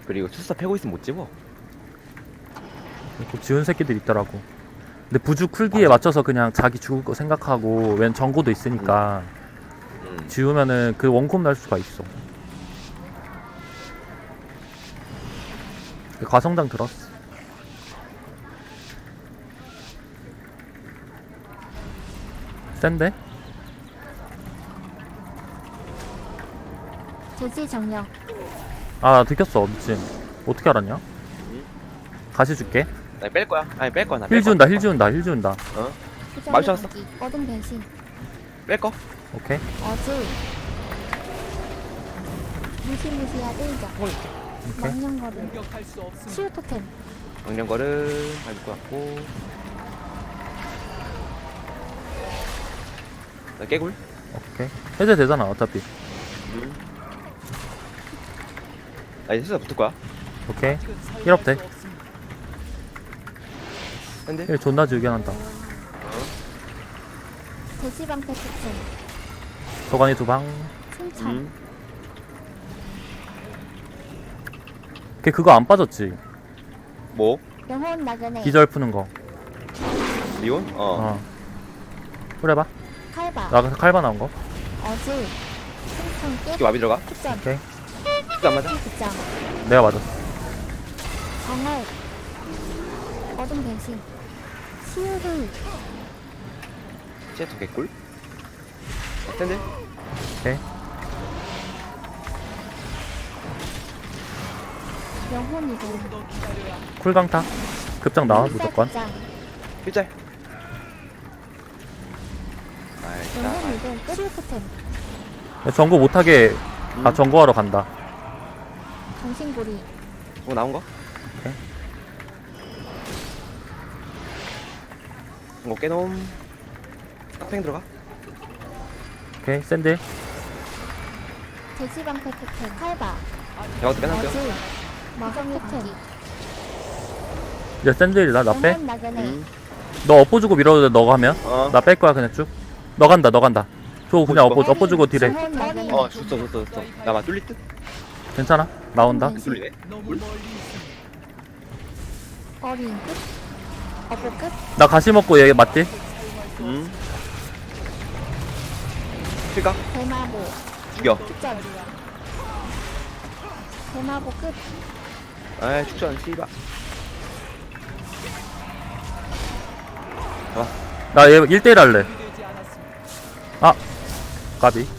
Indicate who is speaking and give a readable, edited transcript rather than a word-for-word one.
Speaker 1: 그리고 투스타 패고 있으면 못 집어.
Speaker 2: 또 지운 새끼들 있더라고. 근데 부주 쿨기에 맞춰서 그냥 자기 죽을 거 생각하고 웬 정고도 있으니까 지우면은 그 원콤 날 수가 있어. 과성장 들었어. 센데?
Speaker 3: 돼지 정령.
Speaker 2: 아, 나 들켰어, 미친. 어떻게 알았냐? 가시 줄게.
Speaker 1: 나 뺄 거야. 아니 뺄 거야.
Speaker 2: 힐 지운다, 힐 지운다, 힐 지운다.
Speaker 1: 어?
Speaker 3: 수정의
Speaker 1: 마주쳤어?
Speaker 3: 거기. 어둠 변신.
Speaker 1: 뺄 거.
Speaker 2: 오케이.
Speaker 3: 어즈. 무시무시한 일격.
Speaker 2: 오케이.
Speaker 3: 망령거름. 치유 토템.
Speaker 1: 강령거를 밟을 것 같고. 나 깨굴.
Speaker 2: 오케이. 해제 되잖아, 어차피.
Speaker 1: 나 이제 투스타 붙을 거야.
Speaker 2: 오케이. 1업 돼.
Speaker 1: 근데
Speaker 2: 1 존나 지우게 한다.
Speaker 3: 돼지 방패 토템.
Speaker 2: 도가니 두 방.
Speaker 3: 승천.
Speaker 2: 걔 그거 안 빠졌지?
Speaker 1: 뭐?
Speaker 3: 영혼 나그네.
Speaker 2: 기절 푸는 거.
Speaker 1: 리온?
Speaker 2: 어. 그래봐.
Speaker 3: 칼바.
Speaker 2: 나 칼바 나온 거.
Speaker 3: 어즈. 승천
Speaker 1: 이게
Speaker 3: 끝.
Speaker 1: 마비 들어가?
Speaker 3: 흑전.
Speaker 2: 오케이.
Speaker 1: 투스타 안 맞아?
Speaker 3: 흑장.
Speaker 2: 내가 맞았어.
Speaker 3: 정월. 어둠 변신. 치유를.
Speaker 1: 시애터 개꿀. 샌들.
Speaker 2: 오케이.
Speaker 3: 영혼 이동.
Speaker 2: 쿨강타. 급장 나와, 무조건.
Speaker 3: 흑장.
Speaker 1: 필짤. 아이
Speaker 3: 영혼
Speaker 1: 자.
Speaker 3: 이동. 치유 토템.
Speaker 2: 전거 못하게, 전거하러 간다.
Speaker 3: 정신고리.
Speaker 1: 뭐 나온 거?
Speaker 2: 오케이.
Speaker 1: 이거 깨놈. 깍팽 들어가.
Speaker 2: 오케이. 샌들.
Speaker 3: 돼지 방패 토템. 칼바.
Speaker 1: 내가 어떻게 빼놨어?
Speaker 3: 어즈. 마성 토템.
Speaker 2: 이제 샌들이다, 나 빼.
Speaker 3: 영혼 나그네.
Speaker 2: 너 업보 주고 밀어도 돼, 너가 하면.
Speaker 1: 어.
Speaker 2: 나 뺄 거야, 그냥 쭉. 너 간다, 너 간다. 저 그냥 업보 주고 딜해.
Speaker 3: 영혼 나그네.
Speaker 1: 줬어. 나만 뚫릴 듯?
Speaker 2: 괜찮아? 나온다.
Speaker 1: 안 뚫리네.
Speaker 3: 어린 끝. 어보 끝.
Speaker 2: 나 가시 먹고 얘 맞지?
Speaker 1: 필까?
Speaker 3: 대마보.
Speaker 1: 죽여.
Speaker 3: 축전. 대마보 끝.
Speaker 1: 아이 축전 씨발. 잡아.
Speaker 2: 나 얘 1대1 할래. 아, 까비.